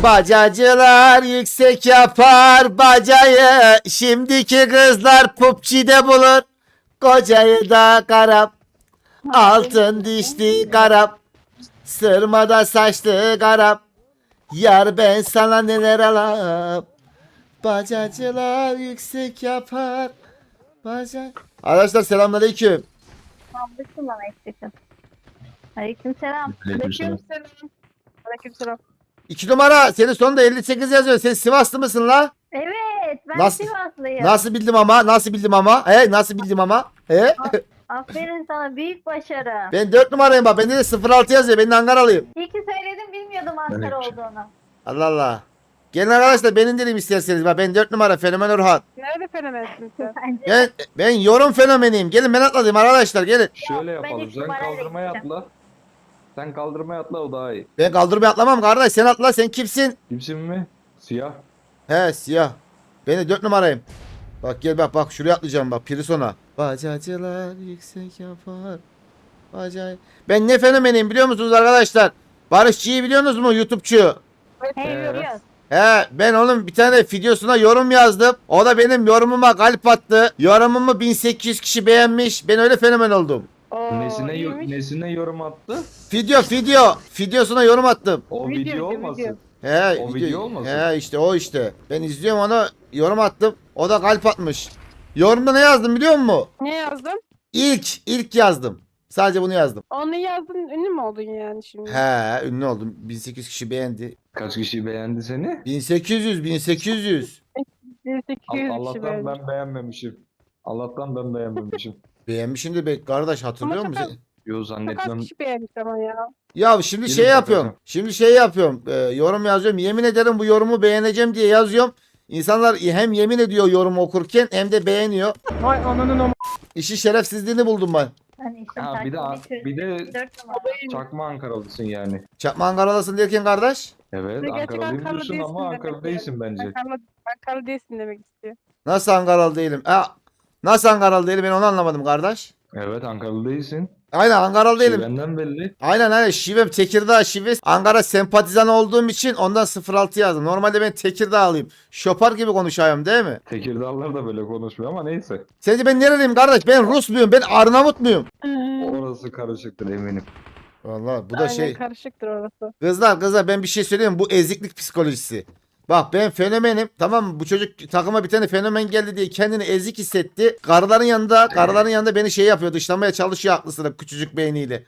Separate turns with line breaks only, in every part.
Bacacılar yüksek yapar bacayı. Şimdiki kızlar PUBG'de bulur. Kocayı da karap. Altın dişli karap. Sırmada saçlı karap. Yar ben sana neler alam. Bacacılar yüksek yapar. Arkadaşlar selamünaleyküm.
Aldırsın bana eksikten. Aleykümselam.
Aleykümselam.
Aleykümselam.
2 numara senin sonunda 58 yazıyor. Sen Sivaslı mısın la?
Evet, ben
Nasıl-
Sivaslıyım.
Nasıl bildim ama? Nasıl bildim ama? Nasıl bildim ama?
Aferin sana, büyük başarı.
Ben 4 numarayım bak. Bende de 06 yazıyor. Ben de Ankaralıyım.
İyi ki söyledim, bilmiyordum Ankara
hiç-
olduğunu.
Allah Allah. Gelin arkadaşlar benim dilim isterseniz. Bak ben 4 numara Fenomen Orhan.
Nerede fenomensin sen?
Bence
Ben yorum fenomeniyim. Gelin ben atladım arkadaşlar gelin.
Şöyle
ben
yapalım.
üç
Sen
numarayla
kaldırmaya
gideceğim.
atla. Sen kaldırmaya atla, o daha iyi.
Ben kaldırmaya atlamam kardeş. Sen atla. Sen kimsin?
Kimsin mi? Siyah.
He siyah. Ben de 4 numarayım. Bak gel bak şuraya atlayacağım bak Pirisona. Bacacılar yüksek yapar. Ben ne fenomeniyim biliyor musunuz arkadaşlar? Barışçı'yı biliyorsunuz mu YouTube'çu?
hey, görüyoruz.
He ben onun bir tane videosuna yorum yazdım. O da benim yorumuma kalp attı. Yorumumu 1800 kişi beğenmiş. Ben öyle fenomen oldum.
Oo,
Nesine
iyiymiş.
nesine yorum attı?
Videosuna yorum attım.
O
Video,
video
video.
olmasın.
He,
O video olmasın?
He işte o işte. Ben izliyorum onu yorum attım. O da kalp atmış. Yorumda ne yazdım biliyor musun?
Ne yazdın?
İlk yazdım. Sadece bunu yazdım.
Onu yazdın, ünlü mü oldun yani şimdi?
He ünlü oldum. 1800 kişi beğendi.
Kaç kişi beğendi seni?
1800.
1800 kişi
Allah'tan
beğenmiş.
ben beğenmemişim. Allah'tan ben beğenmemişim.
Beğenmişimdir be kardeş hatırlıyor
Ama
musun?
Yo,
Çok
zannetmem.
az kişi beğenmiş ama ya.
Ya şimdi
Gelin
şey
bakalım.
yapıyorum. Şimdi şey yapıyorum. Yorum yazıyorum. Yemin ederim bu yorumu beğeneceğim diye yazıyorum. İnsanlar hem yemin ediyor yorumu okurken hem de beğeniyor.
Vay ananın o
İşi şerefsizliğini buldum ben.
Hani işte
Ha, bir de
4 numara.
çakma Ankaralısın yani.
Çakma Ankaralısın derken kardeş.
Evet,
Gerçek
Ankaralıyım
Ankaralı
diyorsun
değilsin
ama
demek
Ankara
ki.
değilsin bence.
Ankara değilsin demek istiyor.
Nasıl Ankaralı değilim? Nasıl Ankaralı değilim ben onu anlamadım kardeş.
Evet, Ankaralı değilsin.
Aynen Ankaralı değilim.
Şivenden belli.
Aynen şivem Tekirdağ şivesi. Ankara sempatizan olduğum için ondan 06 yazdım. Normalde ben Tekirdağlıyım. Şopar gibi konuşayım değil mi?
Tekirdağlılar da böyle konuşmuyor ama neyse.
Sence ben nereliyim kardeş? Ben Rus muyum? Ben Arnavut muyum?
Orası karışıktır eminim.
Vallahi bu da
Aynen,
şey.
karışıktır orası.
Kızlar ben bir şey söyleyeyim mi? Bu eziklik psikolojisi. Bak ben fenomenim tamam mı? Bu çocuk takıma bir tane fenomen geldi diye kendini ezik hissetti. Karıların yanında beni şey yapıyor, dışlamaya çalışıyor aklı sıra küçücük beyniyle.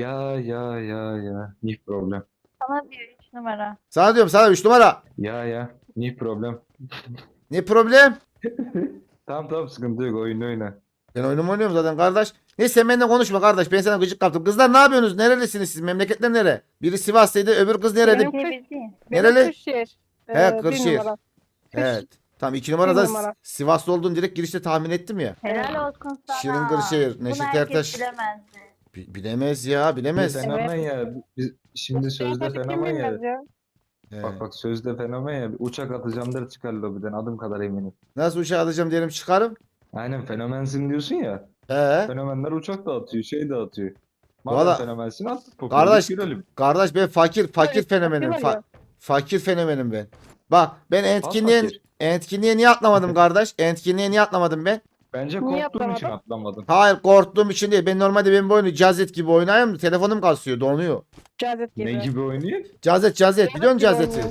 Ya. Ni problem.
Sana diyor 3 numara.
Sana diyorum sana 3 numara.
Ya. Ni problem.
Ne problem?
Tamam, sıkıntı yok, oyna.
Ben oyunumu oynuyorum zaten kardeş. Neyse sen benimle konuşma kardeş. Ben sana gıcık kaptım. Kızlar ne yapıyorsunuz? Nerelisiniz siz? Memleketler nere? Biri Sivas'taydı, öbür kız nerede?
Benim-
Diyebildiğin.
Nereli?
Kırşehir.
He,
Bir
Kırşehir.
numara.
Evet. Tamam 2 numarada
Bir numara.
Sivaslı olduğunu direkt girişte tahmin ettim ya.
Helal olsun sana.
Şirin Kırşehir, Neşet
Bunu herkes
Ertaş.
bilemezdi.
Bilemez ya bilemez.
Biz fenomen ya. Biz şimdi sözde
Tabii kim
fenomen ya.
bilmez ya.
He.
Bak sözde fenomen ya. Bir uçak atacağım der çıkar lobiden, adım kadar eminim.
Nasıl uçağı alacağım diyelim çıkarım.
Aynen, fenomensin diyorsun ya.
He.
Fenomenler uçak da atıyor, şey de atıyor. Madem
Valla-
fenomensin at.
Kardeş,
görelim.
kardeş ben fakir
Evet,
fenomenim.
fakir var ya.
Fakir fenomenim ben. Bak ben
fakir.
etkinliğe niye atlamadım kardeş? Etkinliğe niye atlamadım ben?
Bence
Niye
korktuğun için
atlamadın?
atlamadın.
Hayır korktuğum için değil. Ben normalde bu oyunu Cazet gibi oynayayım da telefonum kasıyor donuyor.
Cazet gibi.
Ne gibi oynuyor?
Cazet biliyor musun Cazet'i?
oynuyor.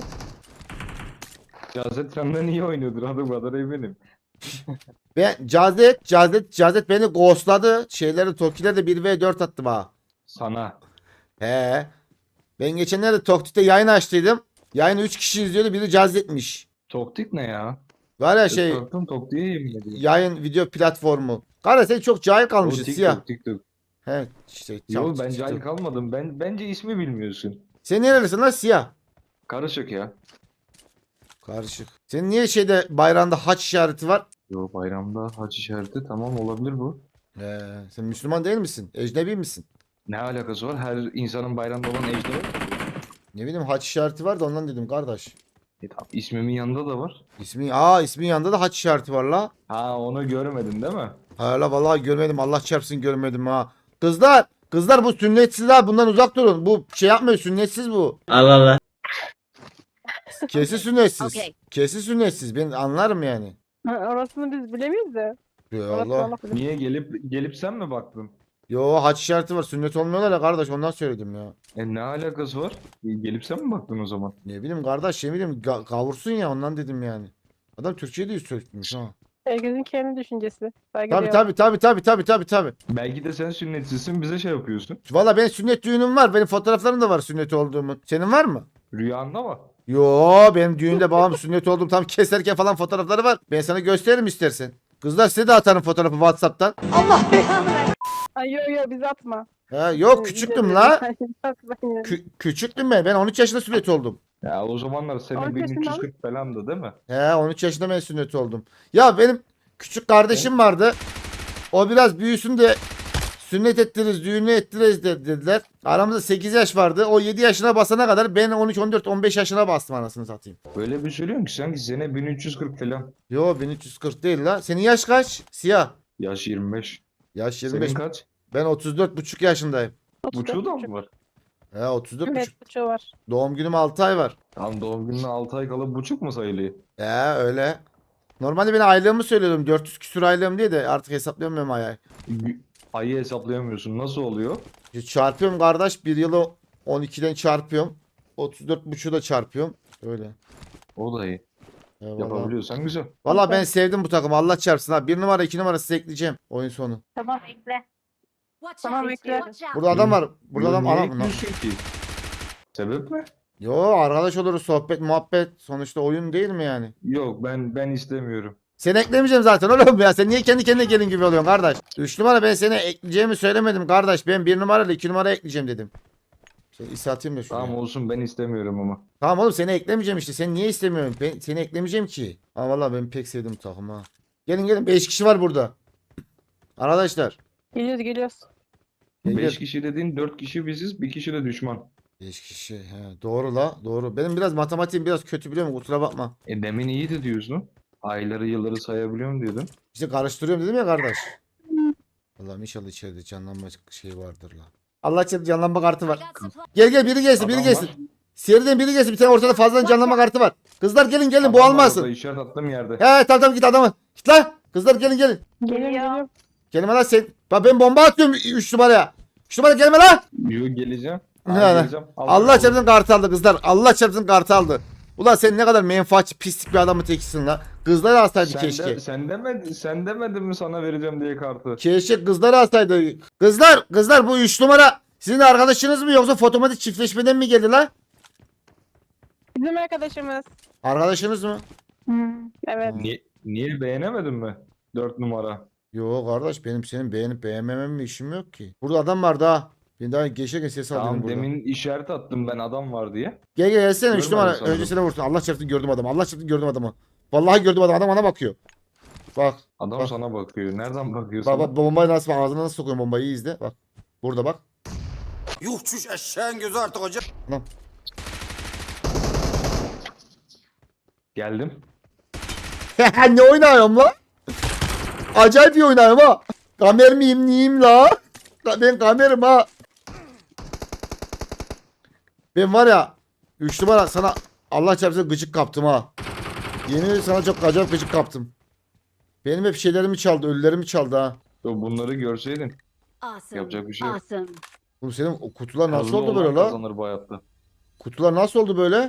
Cazet senden iyi oynuyordur, adım kadar eminim.
Ben Cazet beni ghostladı. Şeyleri Toki'de 1v4 attı bana.
Sana.
He. Ben geçenlerde Toktik'te yayın açtıydım. Yayını 3 kişi izliyordu. Biri Cazet'miş.
Toktik ne ya?
Var ya şey
Korktum, Toktik'e yemin ediyorum.
yayın video platformu. Kardeş sen çok cahil kalmışsın
O
siyah.
TikTok.
He işte.
Yok,
çok-
ben
çok-
cahil kalmadım. Bence ismi bilmiyorsun.
Sen nerelisin lan siyah?
Karışık ya.
Karışık. Senin niye şeyde bayrağında haç işareti var?
Yo, bayramda haç işareti, tamam, olabilir bu.
Sen Müslüman değil misin? Ecnebi misin?
Ne alakası var? Her insanın bayramda olan ejder var.
Ne bileyim haç işareti var da ondan dedim kardeş.
Tamam, ismimin yanında da var.
İsmin yanında da haç işareti var la.
Ha, onu görmedin değil mi?
Hala vallahi görmedim. Allah çarpsın görmedim ha. Kızlar bu sünnetsiz ha. Bundan uzak durun. Bu şey yapmıyor. Sünnetsiz bu.
Allah Allah.
Kesin sünnetsiz.
Okey.
Kesin sünnetsiz. Ben anlarım yani.
Orasını biz bilemeyiz de.
Yo
Orasını
Allah.
Allah bilir.
Niye gelip sen mi baktın?
Yo haç işareti var. Sünnet olmuyorlar ya kardeş. Ondan söyledim ya.
Ne alakası var? Gelip sen mi baktın o zaman?
Ne bileyim kardeş, ne bileyim kavursun ya, ondan dedim yani. Adam Türkçe'de yüz sökmüş ha.
Herkesin kendi düşüncesi. Saygı
Tabi
duyalım.
tabi.
Belki de sen sünnetsizsin bize şey yapıyorsun.
Valla benim sünnet düğünüm var. Benim fotoğraflarım da var sünnet olduğumun. Senin var mı?
Rüyanda mı?
Yo, benim düğünde babam sünnet oldum tam keserken falan fotoğrafları var. Ben sana gösteririm istersen. Kızlar size de atarım fotoğrafı WhatsApp'tan.
Ay yo biz atma.
Ha, yok küçüktüm la.
Hayır, atmayın.
Küçüktüm ben. Ben 13 yaşında sünnet oldum.
Ya o zamanlar sene
13 yaşında
1340 falandı değil mi?
He, 13 yaşında ben sünnet oldum. Ya benim küçük kardeşim vardı. O biraz büyüsün de sünnet ettiririz, düğünü ettiririz dediler. Aramızda 8 yaş vardı. O 7 yaşına basana kadar ben 13, 14, 15 yaşına bastım anasını satayım.
Böyle bir söylüyorsun ki sanki sene 1340 falan.
Yo 1340 değil la. Senin yaş kaç? Siyah.
Yaş 25.
Yaş 25.
Senin kaç?
Ben 34,5 yaşındayım.
Buçuğu da mı var?
He 34,5.
Evet buçuğu var.
Doğum günüm 6 ay var.
Tam doğum gününe 6 ay kala buçuk mu sayılıyor?
He öyle. Normalde ben aylığımı söylüyordum. 400 küsur aylığım diye de artık hesaplayamıyorum ayı.
Ayı hesaplayamıyorsun. Nasıl oluyor?
Çarpıyorum kardeş. Bir yılı 12'den çarpıyorum. 34,5'u da çarpıyorum. Öyle.
O da iyi.
Eyvallah.
Yapabiliyorsan güzel.
Valla ben sevdim bu takımı. Allah çarpsın ha. 1 numara 2 numara size ekleyeceğim. Oyun sonu.
Tamam ekle.
Watch
Tamam,
out.
bekle.
Watch out.
Burada adam var. Burada adam.
Niye
Anam.
ekliyorsun ki? Sebep mi?
Yo arkadaş oluruz. Sohbet muhabbet. Sonuçta oyun değil mi yani?
Yok ben istemiyorum.
Seni eklemeyeceğim zaten oğlum ya. Sen niye kendi kendine gelin gibi oluyorsun kardeş? 3 numara ben seni ekleyeceğimi söylemedim kardeş. Ben 1 numarayla 2 numara ekleyeceğim dedim. Şey, İsa atayım da şuraya.
Tamam olsun ben istemiyorum ama.
Tamam oğlum seni eklemeyeceğim işte. Sen niye istemiyorsun? Ben seni eklemeyeceğim ki. Ha valla ben pek sevdim bu takımı ha. Gelin 5 kişi var burada. Arkadaşlar.
Geliyoruz.
Gel,
5
gel.
kişi dediğin 4 kişi biziz, bir kişi de düşman.
5 kişi. He, doğru la doğru. Benim biraz matematiğim biraz kötü biliyor musun? Kusura bakma.
Demin iyiydi diyorsun. Ayları yılları sayabiliyorum diyordun.
İşte karıştırıyorum dedim ya kardeş. Allah'ım inşallah içeride canlanma şey vardır la. Allah içeride canlanma kartı
I
var.
got supplies.
Gel biri gelsin biri
Adam
gelsin.
var.
Seriden biri gelsin. Bir tane ortada fazladan canlanma kartı var. Kızlar gelin
Adam
bu
var
almasın.
orada, işaret attığım yerde.
He tamam git adamı. Git lan. Kızlar gelin.
Geliyorum.
Gelme lan sen. Bak ben bomba atıyorum 3 numaraya. 3 numara gelme lan.
Yo geleceğim.
Ne
Aa,
lan?
geleceğim.
Allah çarpsın kartı aldı kızlar. Allah çarpsın kartı aldı. Ulan sen ne kadar menfaatçi pislik bir adamı teksin la. Kızları alsaydı keşke.
Sen demedin mi sana vereceğim diye kartı?
Keşke kızları alsaydı. Kızlar bu 3 numara sizin arkadaşınız mı yoksa fotomatik çiftleşmeden mi geldi la?
Bizim arkadaşımız.
Arkadaşınız mı?
Evet.
Niye beğenemedin mi? 4 numara.
Yo kardeş benim senin beğenip beğenmemem mi işim yok ki. Burada adam var daha. Ben daha geçerken ses alıyorum
Tamam
burada.
demin işaret attım ben adam var diye.
Gel gelsene 3
Görmedim
numara.
sandım.
Önce seni vursun. Allah çarpsın gördüm adamı. Allah çarpsın gördüm adamı. Vallahi gördüm adamı. Adam bana bakıyor. Bak.
Adam
Bak.
sana bakıyor. Nereden bakıyor
Bak
sana?
bak bombayı nasıl ağzına nasıl sokuyorum bombayı iyi izle. Bak. Burada bak.
Yuh çüş eşeğin gözü artık hocam.
Geldim.
Ne oynuyorum la? Acayip iyi oynuyorum ha. Kamer miyim neyim la? Ben kamerim ha. Ben var ya 3 numara sana Allah çarpsın gıcık kaptım ha. Yemin ederim sana çok acayip gıcık kaptım. Benim hep şeylerimi çaldı, ölülerimi çaldı ha.
Yo, bunları görseydin.
Awesome.
Yapacak bir şey yok.
Awesome.
Oğlum senin o kutular nasıl
Kazılı
oldu böyle
olan
la?
kazanır bu hayatta.
Kutular nasıl oldu böyle?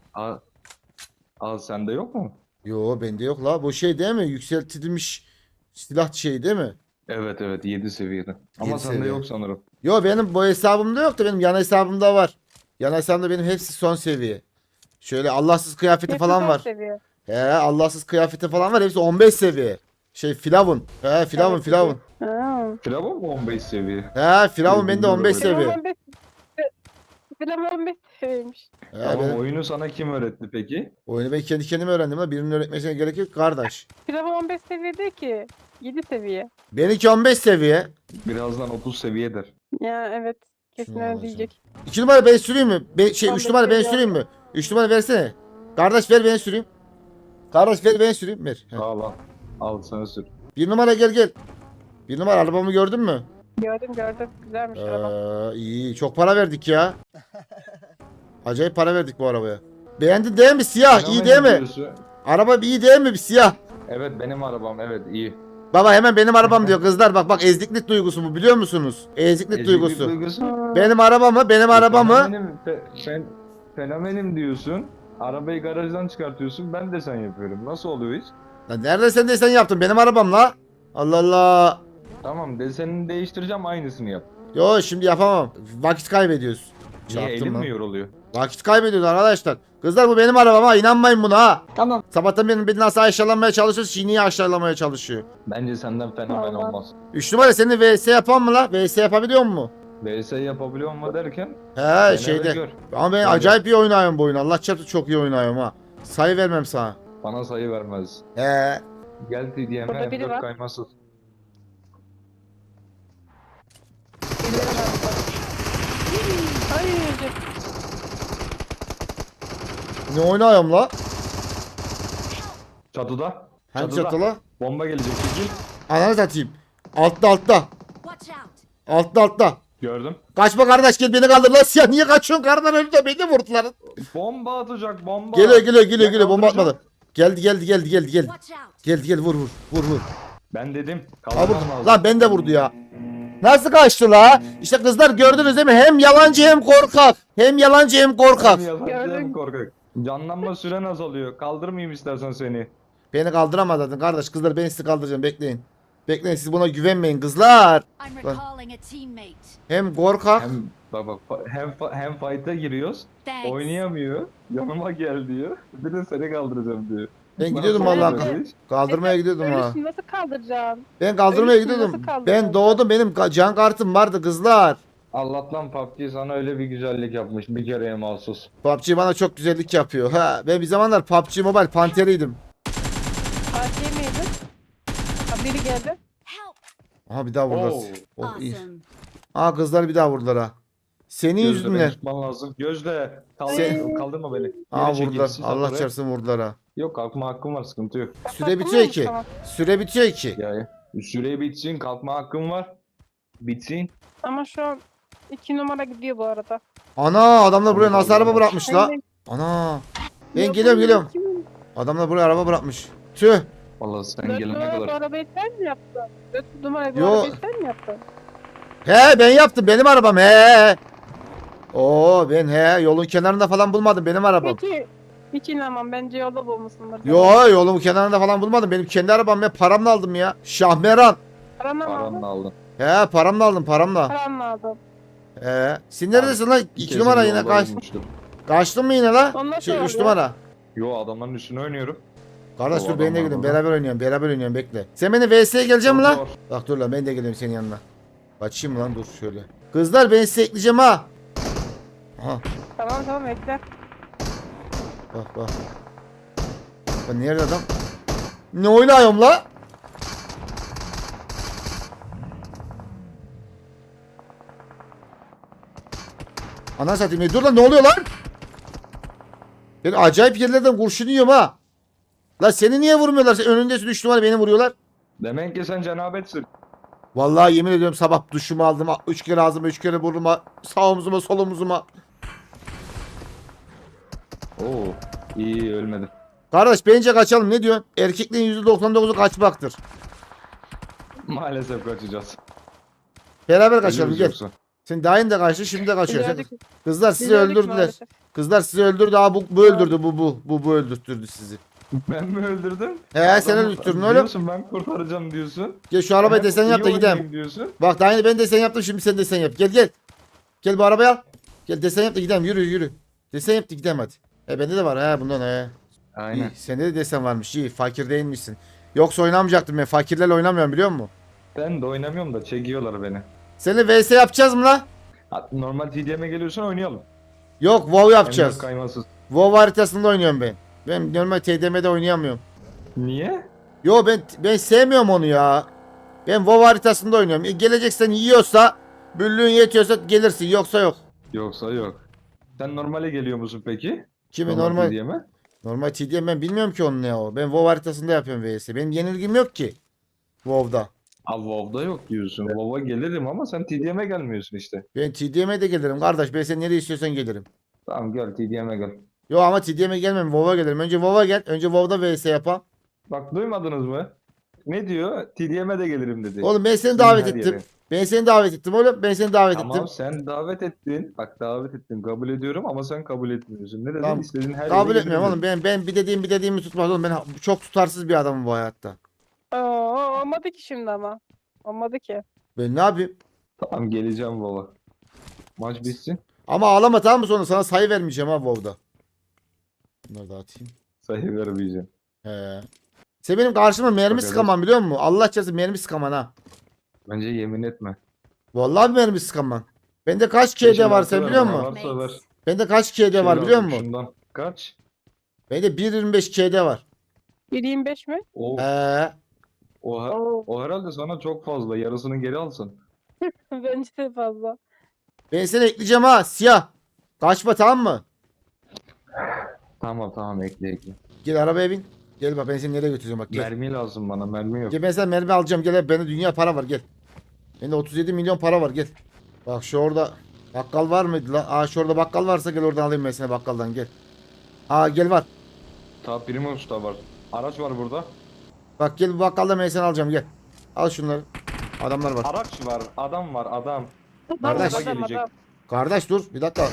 Al sende yok mu?
Yo bende yok la. Bu şey değil mi? Yükseltilmiş silah şey değil mi?
Evet 7 seviyede. Ama
7
sende
seviye.
yok sanırım.
Yo benim bu hesabımda yok da benim yan hesabımda var. Yan hesabımda benim hepsi son seviye. Şöyle Allahsız kıyafeti falan
Hepsi
var.
çok seviyor.
He Allahsız kıyafeti falan var. Hepsi 15 seviye. Şey Firavun. He Firavun
Evet,
Firavun.
Ha.
Firavun mu 15 seviye?
He Firavun bende 15
Firavun
seviye.
15 Firavun 15 seviymiş.
He,
Tamam
benim
oyunu sana kim öğretti peki?
oyunu ben kendi kendime öğrendim la. Birinin öğretmesine gerek yok kardeş.
Firavun 15 seviye değil ki. 7 seviye.
Benimki 15 seviye.
Birazdan 30 seviyedir.
Ya evet. Kesin
Şunu
öyle
alacağım.
diyecek.
2 numara ben süreyim mi? 3
15
numara ben
seviye
süreyim mi? 3 numara versene. Kardeş ver ben süreyim. Kardeş ver ben süreyim. Ver. He.
Al al. Al sana sür.
1 numara gel. 1 numara arabamı gördün mü?
Gördüm. Güzelmiş araba.
İyi çok para verdik ya. Acayip para verdik bu arabaya. Beğendin değil mi? Siyah iyi
Fenomenim
değil mi?
diyorsun.
Araba iyi değil mi? Bir siyah.
Evet benim arabam, evet iyi.
Baba hemen benim arabam diyor kızlar. Bak eziklik duygusu bu biliyor musunuz? Eziklik
Eziklik
duygusu.
duygusu.
Benim arabamı, benim arabamı.
Fenomenim diyorsun. Arabayı garajdan çıkartıyorsun. Ben de sen yapıyorum. Nasıl oluyor hiç?
Lan nerede sen desen yaptın? Benim arabamla. Allah Allah.
Tamam desenini değiştireceğim, aynısını yap.
Yo şimdi yapamam. Vakit kaybediyoruz.
Niye,
Çarptım
elim
lan.
mi yoruluyor?
Vakit kaybediyoruz arkadaşlar. Kızlar bu benim arabam ha, inanmayın buna ha. Tamam. Sabahtan beni nasıl aşağılamaya çalışıyor, Şini'yi aşağılamaya çalışıyor.
Bence senden fenomen
Vallahi.
olmaz.
3 numara seni VS yapan mı la? VS yapabiliyor mu?
VS yapabiliyor mu derken?
He
dene ve
şeyde.
gör.
Ama ben
Öyle.
acayip iyi oynuyorum bu oyunu. Allah çarptı çok iyi oynuyorum ha. Sayı vermem sana.
Bana sayı vermez.
He.
Gel TDM'e
Burada biri
M4
var.
kaymasız.
Ay,
Ne oynuyorum la?
Çatıda.
Hangi çatı la?
Bomba gelecek. Çekil.
Ananı satayım. Altta.
Watch out!
Altta.
Gördüm.
Kaçma kardeş gel beni kaldır lan siyah niye kaçıyorsun kardan öldü de beni vurdular.
Bomba atacak bomba.
Geliyor bomba
kaldıracağım.
atmadı. Geldi.
Watch out!
Gel vur.
Ben dedim.
Ha,
Kaldırmam
vur.
lazım.
Lan ben de vurdu ya. Nasıl kaçtı la? İşte kızlar gördünüz değil mi? Hem yalancı hem korkak. Hem yalancı hem korkak.
Hem yalancı hem
Gördüm.
korkak. Canlanma süren azalıyor. Kaldırmayayım istersen seni.
Beni kaldıramaz zaten kardeş. Kızlar ben sizi kaldıracağım bekleyin. Bekleyin siz buna güvenmeyin kızlar.
I'm
Lan.
recalling a teammate.
Hem korkak.
Hem bak hem fight'a giriyoruz.
Thanks.
Oynayamıyor. Yanıma gel diyor. Bir de seni kaldıracağım diyor.
Ben gidiyordum
Nasıl
vallahi.
oluyor bu iş?
Kaldırmaya gidiyordum ha.
Ölüsünü nasıl kaldıracaksın?
Ben kaldırmaya
Ölüsünü
gidiyordum.
nasıl kaldıracaksın?
Ben doğdum benim can kartım vardı kızlar.
Allah'tan PUBG sana öyle bir güzellik yapmış. Bir kereye mahsus.
PUBG bana çok güzellik yapıyor. Ha ben bir zamanlar PUBG Mobile panteriydim.
Fatih miydin? Ha, biri geldi.
Help!
Aha bir daha vurdular.
Oo.
Oh, iyi.
Awesome.
Aa kızlar bir daha vurdular ha. Senin
Gözle
yüzünden.
beni tutman lazım. Gözle. Kaldırma beni.
Aa
Geri çekil,
vurdular.
sis
Allah
oraya.
çarpsın vurdular ha.
Yok kalkma hakkım var, sıkıntı yok.
Süre bitiyor ki.
Tamam.
Süre bitiyor ki.
Ya süre bitsin, kalkma hakkım var. Bitsin.
Ama şu an 2 numara gidiyor bu arada.
Ana adamlar buraya nasıl araba bırakmış la?
Hem de-
Ana. Ben
Yok,
geliyorum.
kimin?
Adamlar buraya araba bırakmış. Tüh.
Vallahi sen
Dört
gelene
numara bu
kadar.
arabayı sen mi yaptın? 4 numara bu
Yo.
arabayı sen mi yaptın?
He ben yaptım benim arabam he. Oo ben he yolun kenarında falan bulmadım benim arabam.
Peki hiç inanmam, bence yolda bulmuşsundur.
Yo yolun kenarında falan bulmadım. Benim kendi arabam ben paramla aldım ya. Şahmeran.
Paranla mı
Paranla
aldın?
aldın.
He paramla aldım paramla.
Paranla aldın.
He. Sen neredesin lan?
Bir
2
kez
numara
yolda
yine kaç.
bulmuştum.
Kaçtın mı yine la?
Onlar
Şey
şey
3
oluyor.
numara.
Yo adamların üstüne oynuyorum.
Kardeş
O
dur ben de
adam var
gidiyorum.
burada.
Beraber oynuyorum bekle. Sen beni VS'ye geleceğim mi
Zor,
lan?
zor.
Bak dur lan ben de geliyorum senin yanına. Kaçayım lan dur şöyle. Kızlar ben size ekleyeceğim ha. Aha
Tamam bekle.
bak. Bak nerede adam? Ne oynuyorum la? Ana satayım. Dur lan ne oluyor lan? Ben acayip yerlerden kurşun yiyorum ha. La seni niye vurmuyorlar? Sen önündesin 3 numara beni vuruyorlar.
Demek ki sen cenabetsin.
Vallahi yemin ediyorum sabah duşumu aldım. 3 kere ağzıma 3 kere burnuma. Sağ omzuma sol omzuma.
Oo, iyi ölmedim.
Kardeş bence kaçalım ne diyorsun? Erkekliğin %99'u kaçmaktır.
Maalesef kaçacağız.
Beraber kaçalım
Ölürüz
gel.
yoksa.
Sen daha yeni de kaçtın şimdi de kaçıyorsun.
Gördük.
Kızlar sizi
Gördük
öldürdüler.
maalesef.
Kızlar sizi öldürdü. Aa bu öldürdü bu öldürttürdü sizi.
Ben mi öldürdüm?
He sen
Adam-
öldürttün oğlum.
Diyorsun ben kurtaracağım diyorsun.
Gel şu arabayı
Hem
desen
iyi
yap da gidelim.
oynayayım diyorsun.
Bak daha yeni ben desen yaptım şimdi sen desen yap. Gel. Gel bu arabayı al. Gel desen yap da gidelim yürü. Desen yap da gidelim hadi. Bende de var ha bundan he.
Aynen.
İyi, sende de desen varmış iyi fakir değilmişsin. Yoksa oynamayacaktım ben fakirlerle oynamıyorum biliyor musun?
Ben de oynamıyorum da çekiyorlar beni.
Seninle vs yapacağız mı la?
Normal TDM'e geliyorsan oynayalım.
Yok WoW yapacağız.
M4 kaymasız.
WoW haritasında oynuyorum ben. Ben normal TDM'de oynayamıyorum.
Niye?
Yo ben sevmiyorum onu ya. Ben WoW haritasında oynuyorum. Geleceksen yiyorsa, büllüğün yetiyorsa gelirsin yoksa yok.
Yoksa yok. Sen normale geliyor musun peki?
Kimi normal
TDM'e?
normal TDM ben bilmiyorum ki onun ne o. Ben WoW haritasında yapıyorum vs. Benim yenilgim yok ki. WoW'da.
Al WoW'da yok diyorsun. WoW'a gelirim ama sen TDM'e gelmiyorsun işte.
Ben TDM'e de gelirim kardeş. Ben sen nereye istiyorsan gelirim.
Tamam gel TDM'e gel.
Yo ama TDM'e gelmem. WoW'a gelirim. Önce WoW'a gel. Önce WoW'da VS yapalım.
Bak duymadınız mı? Ne diyor? TDM'e de gelirim dedi.
Oğlum ben seni
Sizin
davet
her
ettim.
yere.
Ben seni davet ettim oğlum. Ben seni davet
Tamam
ettim.
sen davet ettin. Bak davet ettin. Kabul ediyorum ama sen kabul etmiyorsun. Ne dedin?
Tamam.
İstediğin her
Kabul
yere
etmiyorum oğlum.
gelirim
Ben bir dediğimi tutmaz oğlum. Ben çok tutarsız bir adamım bu hayatta.
Oo, olmadı ki şimdi ama. Olmadı ki.
Ben ne yapayım?
dedin. Tamam geleceğim baba. Maç bitsin.
Ama ağlama tamam mı sonra? Sana sayı vermeyeceğim ha WoW'da. Bunları da atayım.
Sayı vermeyeceğim.
He. Sen benim karşıma mermi
Bak,
sıkaman biliyor musun? Allah çarpsın mermi sıkaman ha.
Bence yemin etme.
Vallahi mermi sıkaman. Bende kaç KD var sen biliyor musun?
Varsa ver.
Bende kaç KD var
Şey
biliyor
lazım,
musun?
Şundan. Kaç?
Bende 1.25 KD var.
1.25 mi?
O,
He.
Oo,
o herhalde sana çok fazla. Yarısını geri alsın.
bence de fazla.
Ben seni ekleyeceğim ha siyah. Kaçma tamam mı?
Tamam ekle.
Gel arabaya bin. Gel bak ben seni nereye götüreceğim bak gel.
Mermi lazım bana. Mermi yok.
Gel ben sana mermi alacağım gel bende dünya para var gel. Bende 37 milyon para var gel. Bak şu orada bakkal var mıydı lan? Aa şu orada bakkal varsa gel oradan alayım ben seni bakkaldan gel. Aa gel var.
Ta Primus da var. Araç var burada.
Bak gel bu bakkalda ben seni alacağım gel. Al şunları. Adamlar var.
Araç var. Adam var. Adam.
Kardeş.
Adam,
Gelecek.
adam.
Kardeş dur bir dakika.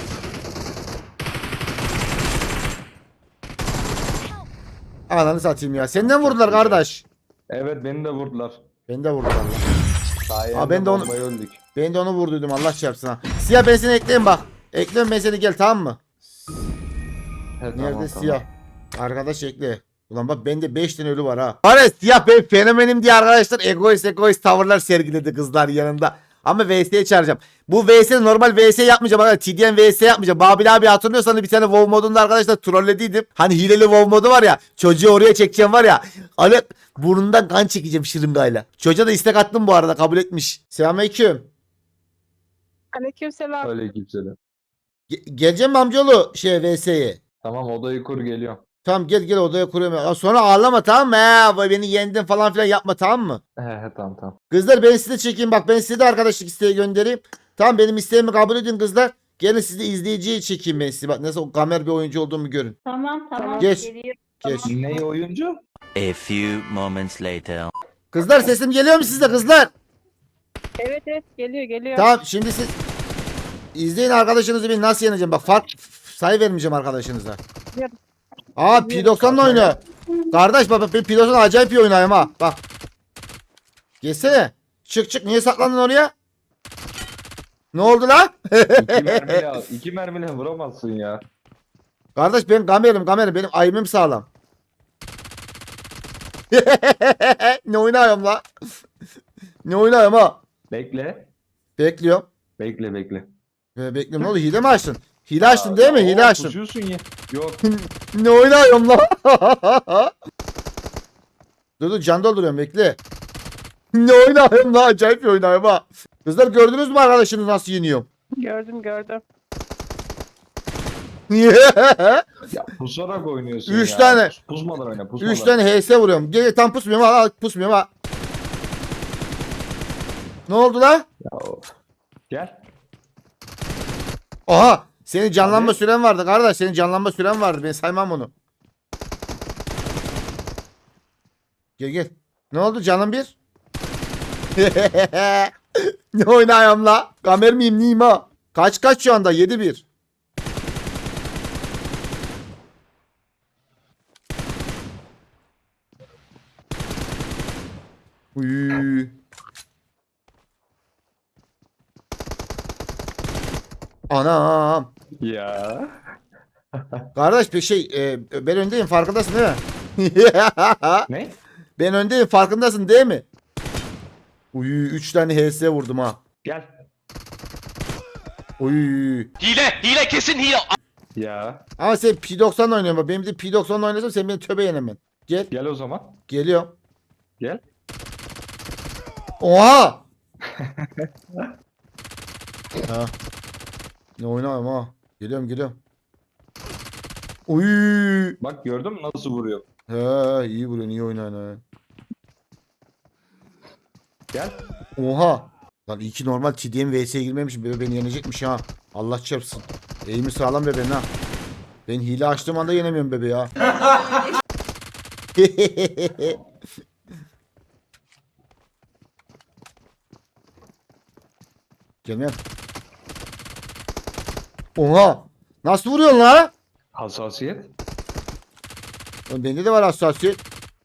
Ananı satayım ya. Senden vurdular kardeş.
Evet beni de vurdular.
Beni de vurdular lan.
Sayende
Aa, ben de onu-
bombaya öldük.
Ben de onu vurduydum Allah çarpsın ha. Siyah ben seni ekleyeyim bak. Ekliyorum ben seni gel tamam mı?
He,
Nerede
tamam.
siyah? Arkadaş ekle. Ulan bak bende 5 tane ölü var ha. Var ya siyah ben fenomenim diye arkadaşlar egoist tavırlar sergiledi kızlar yanında. Ama VS'ye çağıracağım. Bu VS normal VS yapmayacağım arkadaşlar. TDM VS yapmayacağım. Babil abi hatırlıyorsanız bir tane WoW modunda arkadaşlar trollediydim. Hani hileli WoW modu var ya. Çocuğu oraya çekeceğim var ya. Hani burnundan kan çekeceğim şırıngayla. Çocuğa da istek attım bu arada kabul etmiş. Selamünaleyküm.
Aleykümselam.
Öyle kimseler.
Geleceğim mi amcaoğlu VS'ye?
Tamam odayı kur geliyorum.
Tamam gel odaya kuruyorum. Ya, sonra ağlama tamam mı? He, beni yendin falan filan yapma tamam mı?
He tamam.
Kızlar ben size çekeyim bak ben size de arkadaşlık isteği göndereyim. Tamam benim isteğimi kabul edin kızlar. Gelin sizi izleyiciye çekeyim ben sizi. Bak nasıl gamer bir oyuncu olduğumu görün.
Tamam.
Geç.
Geliyorum.
Geç.
Ne oyuncu?
A few moments later.
Kızlar sesim geliyor mu size kızlar?
Evet geliyor.
Tamam şimdi siz izleyin arkadaşınızı bir nasıl yeneceğim. Bak sayı vermeyeceğim arkadaşınıza.
Gel.
Aa P90'la oynuyor. Kardeş bak ben P90 acayip iyi oynuyorum ha. Bak. Gelsene. Çık niye saklandın oraya? Ne oldu lan?
İki mermiyle vuramazsın ya.
Kardeş ben gamerim benim aimim sağlam. Ne oynuyorum la? Ne oynuyorum ha?
Bekle.
Bekliyorum.
Bekle.
Bekliyorum ne oldu hile mi açtın? Hile açtın değil mi? Hile açtın.
Pusuyorsun ya. Yok.
Ne oynuyorum la? Dur can dolduruyorum bekle. Ne oynuyorum la? Acayip bir oynuyorum ha. Kızlar gördünüz mü arkadaşınız nasıl yeniyorum?
Gördüm.
Ya pusarak oynuyorsun
Üç
ya.
tane.
Pusmadan oyna pusmadan.
3 tane HS vuruyorum. Gel tam pusmuyorum ha. Pusmuyorum ha. Ne oldu la?
Ya, of. Gel.
Aha. Senin canlanma
Hadi.
süren vardı kardeş. Senin canlanma süren vardı. Ben saymam onu. Gel. Ne oldu canım bir? Ne oynayayım la? Kamer miyim neyim ha? Kaç şu anda? 7-1. Uy. Anam.
Ya.
Kardeş bir ben öndeyim farkındasın değil mi?
Ne?
Ben öndeyim farkındasın değil mi? Uy 3 tane HS vurdum ha.
Gel.
Uy.
Hile kesin hile.
Ama sen P90 oynuyorsun bak. Benim de P90 oynasam sen beni töbe yenemen.
Gel o zaman.
Geliyorum.
Gel.
Oha! Ha. Ne oynayayım ha? Geliyorum. Uy.
Bak gördün mü nasıl vuruyor?
He iyi vuruyorsun iyi oynuyorsun ha.
Gel.
Oha. Lan iyi ki normal TDM VS'ye girmemişim. Bebe beni yenecekmiş ha. Allah çarpsın. Eğimi sağlam bebeğin ha. Ben hile açtığım anda yenemiyorum bebe ya. Gelmeyen. Oha. Nasıl vuruyorsun la?
Hassasiyet.
Oğlum bende de var hassasiyet.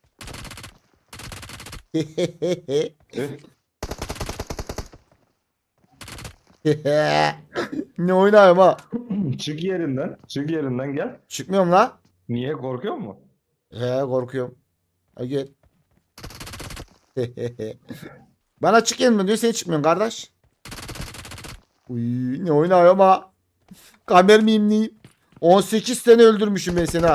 Ne oynayayım ha?
Çık yerinden. Çık yerinden gel.
Çıkmıyorum la.
Niye korkuyor mu?
He korkuyorum. Ha gel. Bana çık yeniden diyor sen çıkmıyorsun kardeş. Uy, ne oynayayım ha? Kamer miyim neyim? 18 sene öldürmüşüm ben seni ha.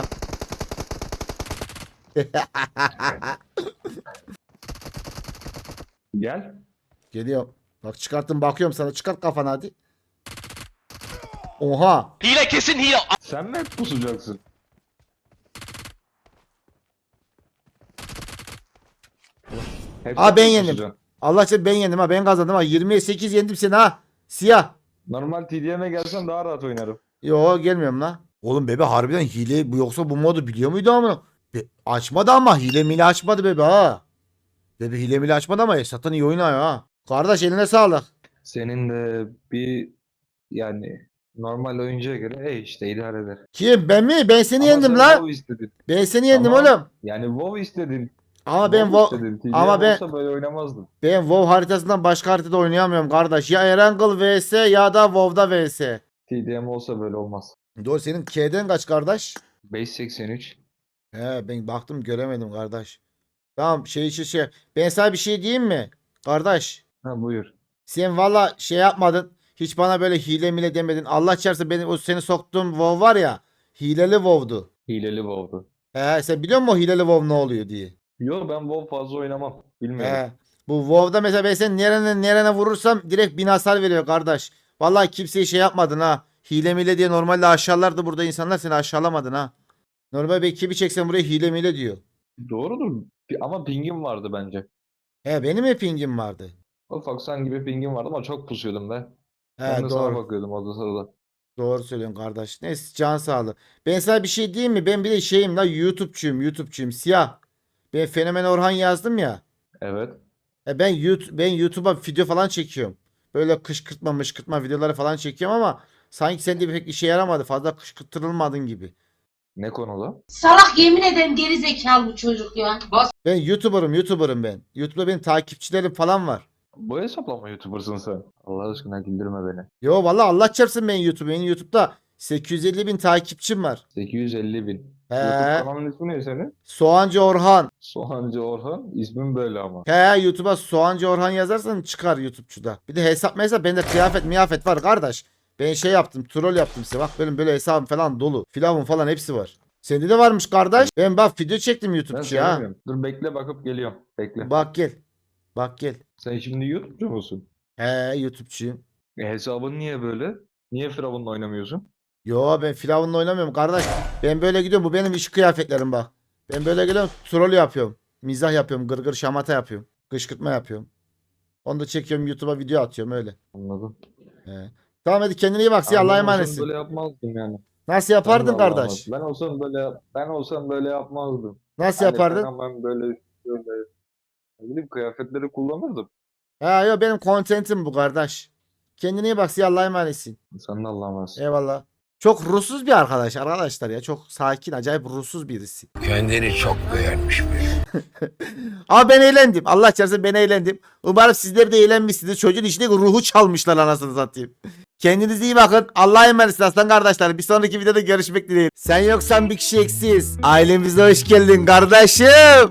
Gel.
Geliyorum. Bak çıkarttım bakıyorum sana. Çıkart kafanı hadi. Oha.
Hile kesin hile.
Sen mi hep pusacaksın? Hep
Aa,
sen
ben
mi
yendim.
pusacaksın?
Allah aşkına ben yendim ha. Ben kazandım ha. 28 yendim seni ha. Siyah.
Normal TDM'e gelsen daha rahat oynarım.
Yo gelmiyorum la. Oğlum bebe harbiden hile bu yoksa bu modu biliyor muydu ama? Açmadı ama hile mile açmadı bebe ha. Bebe hile mile açmadı ama Esat'tan iyi oynuyor ha. Kardeş eline sağlık.
Senin de bir yani normal oyuncuya göre işte idare eder.
Kim ben mi? Ben seni
Ama
yendim
sen
la.
WoW istedin.
Ben seni yendim
Ama-
oğlum.
Yani WoW istedin.
Ama ben
WoW
WoW
istedin. TDM
ama ben-
olsa böyle oynamazdın.
ben WoW haritasından başka haritada oynayamıyorum kardeş. Ya Erangel vs ya da WoW'da vs.
TDM olsa böyle olmaz.
Doğru senin K'den kaç kardeş?
583.
He ben baktım göremedim kardeş. Tamam şey. Ben sana bir şey diyeyim mi? Kardeş.
Ha buyur.
Sen valla şey yapmadın. Hiç bana böyle hile mile demedin. Allah çarpsa benim o seni soktuğum WoW var ya. Hileli WoW'du.
Hileli WoW'du.
Sen biliyor musun o hileli WoW ne oluyor diye?
Yo ben WoW fazla oynamam. Bilmiyorum.
Bu WoW'da mesela ben seni nerene vurursam direkt 1000 hasar veriyor kardeş. Vallahi kimseye şey yapmadın ha. Hile mile diye normalde aşağılardı burada insanlar seni aşağılamadın ha. Normal bir ekibi çeksen buraya hile mile diyor.
Doğrudur. Ama pingim vardı bence.
Benim mi pingim vardı?
Ufaksan gibi pingim vardı ama çok pusuyordum be.
He
Ben de sana
doğru.
bakıyordum orada sırada.
Doğru söylüyorsun kardeş. Neyse can sağlığı. Ben sana bir şey diyeyim mi? Ben bir de şeyim la YouTube'cuyum. Siyah. Ben Fenomen Orhan yazdım ya.
Evet.
Ben YouTube'a video falan çekiyorum. Böyle kışkırtma videoları falan çekiyorum ama sanki sende pek işe yaramadı. Fazla kışkırtılmadın gibi.
Ne konuda?
Salak yemin ederim geri zekalı bu çocuk ya.
Ben YouTuber'ım ben. YouTube'da benim takipçilerim falan var.
Bu hesapla mı YouTuber'sın sen? Allah aşkına güldürme beni.
Yo vallahi Allah çarpsın ben YouTube. Benim YouTube'da 850 bin takipçim var.
850 bin.
He.
YouTube kanalının ismi ne senin?
Soğancı Orhan.
Soğancı Orhan. İsmin böyle ama.
YouTube'a Soğancı Orhan yazarsan çıkar YouTube'çuda. Bir de hesap bende kıyafet var kardeş. Ben şey yaptım troll yaptım size. Bak benim böyle hesabım falan dolu. Filavun falan hepsi var. Sende de varmış kardeş. Ben bak video çektim
Ben
YouTube'çuya ha.
söylemiyorum. Dur bekle bakıp geliyorum. Bekle.
Bak gel. Bak gel.
Sen şimdi YouTube'cu musun?
YouTube'çuyum.
Hesabın niye böyle? Niye Firavun'la oynamıyorsun?
Yo ben Filavun'la oynamıyorum kardeş. Ben böyle gidiyorum. Bu benim iş kıyafetlerim bak. Ben böyle gidiyorum. Troll yapıyorum. Mizah yapıyorum. Gırgır şamata yapıyorum. Kışkırtma yapıyorum. Onu da çekiyorum YouTube'a video atıyorum öyle.
Anladım.
He. Tamam hadi kendine iyi bak. Allah'a
Ben olsam
emanetsin.
böyle yapmazdım yani.
Nasıl yapardın
Ben de Allah'a
kardeş?
emanet. Ben olsam böyle yapmazdım.
Nasıl
Hani
yapardın?
hemen böyle ne bileyim kıyafetleri kullanırdım.
Yo benim kontentim bu kardeş. Kendine iyi bak. Allah'a emanetsin.
Sen de Allah'a emanet.
Eyvallah. Çok ruhsuz bir arkadaşlar ya. Çok sakin, acayip ruhsuz birisi.
Kendini çok beğenmiş böyle.
Ama ben eğlendim. Allah çarpsın ben eğlendim. Umarım sizler de eğlenmişsiniz. Çocuğun içindeki ruhu çalmışlar anasını satayım. Kendinize iyi bakın. Allah'a emanet aslan kardeşler. Bir sonraki videoda görüşmek dileğiyle. Sen yoksan bir kişi eksiz. Ailemize hoş geldin kardeşim.